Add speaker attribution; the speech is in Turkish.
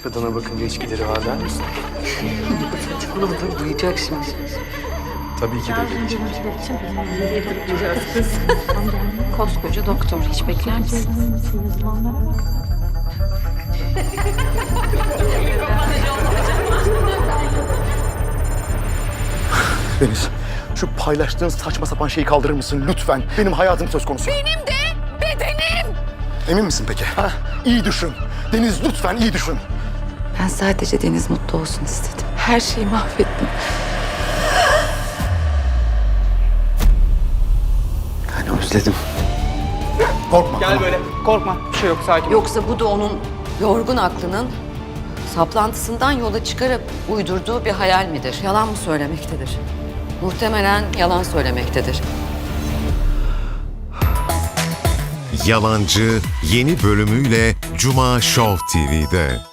Speaker 1: kadına bakınca içkileri var der misin?
Speaker 2: Saçmalama, duyacak şimdi.
Speaker 1: Tabii ki de gelecek.
Speaker 3: Koskoca doktor, hiç bekler misin?
Speaker 4: Deniz, şu paylaştığın saçma sapan şeyi kaldırır mısın lütfen? Benim hayatım söz konusu.
Speaker 3: Benim de bedenim.
Speaker 4: Emin misin peki? Ha? İyi düşün. Deniz lütfen iyi düşün.
Speaker 2: Ben sadece Deniz mutlu olsun istedim. Her şeyi mahvettim.
Speaker 4: Ben özledim. Korkma.
Speaker 5: Gel böyle. Korkma. Bir şey yok. Sakin ol.
Speaker 6: Yoksa bu da onun yorgun aklının saplantısından yola çıkarıp uydurduğu bir hayal midir? Yalan mı söylemektedir? Muhtemelen yalan söylemektedir.
Speaker 7: Yalancı yeni bölümüyle Cuma Show TV'de.